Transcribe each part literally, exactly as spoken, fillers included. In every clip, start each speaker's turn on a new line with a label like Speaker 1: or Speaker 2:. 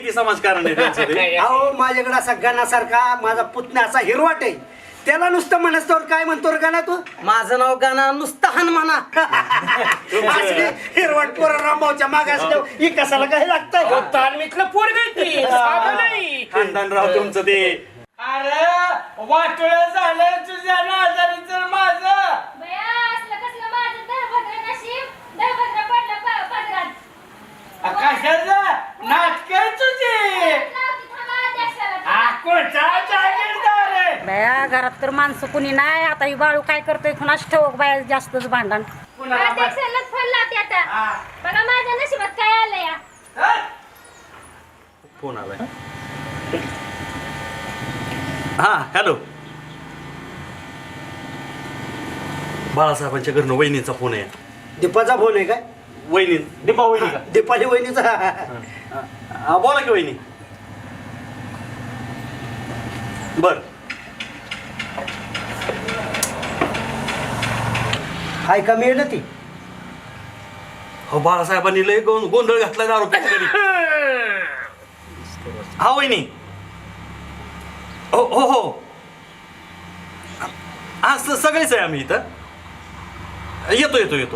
Speaker 1: समाजकारण आहे त्यांचं ते.
Speaker 2: अहो माझ्याकडे असा गणासारखा माझा पुतण्या असा हिरवाट आहे, त्याला नुसतं म्हणतो काय म्हणतो रे गाणा तू?
Speaker 3: माझं नाव गाणं नुसतं हन म्हणा.
Speaker 2: असली हिरवाट पोर रामभाऊच्या मागे असल्यावर ही कसाला काय लागतंय?
Speaker 4: तालमीतलं पोरग ती साधं नाही.
Speaker 1: खानदानराव तुमचं ते.
Speaker 4: अरे वाटोळ झालं तुझ्या नादारी तर माझं.
Speaker 5: बया असलं कसलं माझं दळभद्र नशीब, दळभद्र पडलं प- पदरात.
Speaker 4: कशाचं नाटक तुझी
Speaker 5: लावती थांबा अध्यक्षाला.
Speaker 4: हा कोणता जागीरदार आहे?
Speaker 6: बाया घरात तर माणसं कुणी नाही. आता ही बाळू काय करतोय कुणाच ठेवक बाया जास्तच भांडण.
Speaker 4: कुणाला बस-
Speaker 5: अध्यक्षालाच फोन लावते आता.
Speaker 4: हा.
Speaker 5: बघा माझ्या नशिबात काय आलं या.
Speaker 4: हा?
Speaker 1: फोन आलाय. हा हॅलो, बाळासाहेबांच्या घरनं वहिनीचा फोन आहे.
Speaker 2: दीपाचा फोन आहे काय?
Speaker 1: वहिनी दीपा वहिनी का?
Speaker 2: दीपाली वहिनीचा.
Speaker 1: हा बोला की वहिनी. बर
Speaker 2: हाय का मिळेल ती?
Speaker 1: हो बाळासाहेबांनी लय गो- गोंधळ घातला दारू पिऊन. हा वहिनी. हो हो हो हा स- सगळेच आहे आम्ही इथं. येतो येतो येतो.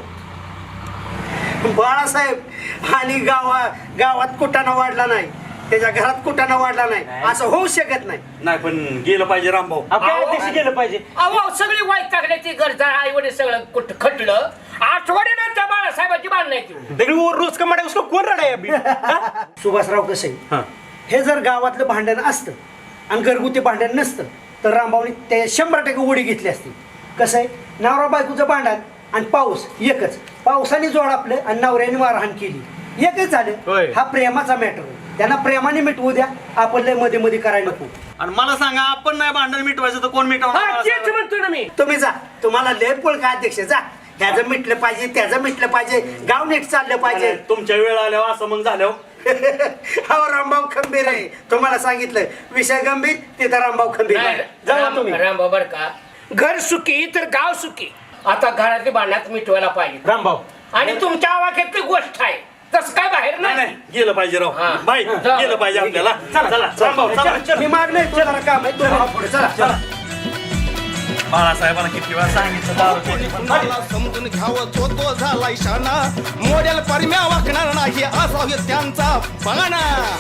Speaker 2: बाळासाहेब आणि गावा गावात कुटाणा वाढला नाही, त्याच्या घरात कुटाणा वाढला नाही, असं होऊ शकत नाही.
Speaker 1: नाही पण गेलं पाहिजे रामभाऊ.
Speaker 4: अहो,
Speaker 1: गेलं पाहिजे.
Speaker 4: अहो सगळी वाईट टाकण्याची गरज आई वडील सगळं कुठ खटलं आठवड्यानंतर बाळासाहेबांची बांधण्याची
Speaker 1: रोज का उसको कोण रडाय अभी?
Speaker 2: सुभाषराव कसं आहे,
Speaker 1: हा
Speaker 2: हे जर गावातलं भांडण असतं आणि घरगुती भांडण नसतं तर रामभाऊनी ते शंभर टक्के उडी घेतली असती. कसं आहे, नवरा बायकोचं भांडण आणि पाऊस एकच, पावसाने जोड आपलं आणि नवऱ्याने मारहाण केली एकच झालं.
Speaker 1: होय.
Speaker 2: हा प्रेमाचा मॅटर आहे, त्यांना प्रेमाने मिटवू द्या, आपण लय मध्ये मध्ये करायला नको.
Speaker 1: आणि मला सांगा, आपण नाही भांडण मिटवायचं तर कोण
Speaker 4: हा, तेच
Speaker 1: मिटवणार?
Speaker 4: म्हणतो ना मी.
Speaker 2: तुम्ही जा, तुम्हाला लय पोळ का अध्यक्ष, जा. ह्याचं मिटलं पाहिजे, त्याचं मिटलं पाहिजे, गाव नीट चाललं पाहिजे.
Speaker 1: तुमच्या वेळ आल्यावर असं मग झाल्यावर
Speaker 2: हा रामभाऊ खंबीर आहे, तुम्हाला सांगितलं विषय गंभीर, तिथं रामभाऊ खंबीर आहे. जावा तुम्ही.
Speaker 4: राम बर का, घर सुखी तर गाव सुखी. आता घरातली भांडणात मिटवायला पाहिजे
Speaker 1: रामभाऊ.
Speaker 4: आणि तुमच्या आवाक्यातली गोष्ट आहे, तसं काय बाहेर
Speaker 1: नाही
Speaker 4: नाही.
Speaker 1: नाही गेलं पाहिजे राव.
Speaker 4: हा.
Speaker 1: बाई
Speaker 4: जा.
Speaker 1: गेलं पाहिजे आपल्याला. चला चला रामभाऊ चला.
Speaker 2: मी माग नाही, तुला काम आहे, तुला पुढे चला चला.
Speaker 1: बाळासाहेबांना किती वेळा सांगितलं दारू पिणे पण नाही.
Speaker 7: मला समजून घ्यावं तो तो झाला इशाना, मोडेल परम्या वाकणार नाही असावे त्यांचा पाना.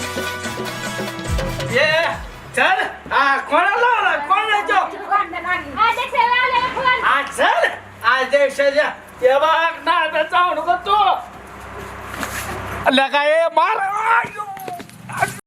Speaker 4: ये चल. हा कोणाला लावला? कोणाला
Speaker 5: भांडण आहे. अध्यक्षाला आलेला फोन.
Speaker 4: हा चल अध्यक्षाच्या ते बघ ना जाऊ नको तू. काय मार.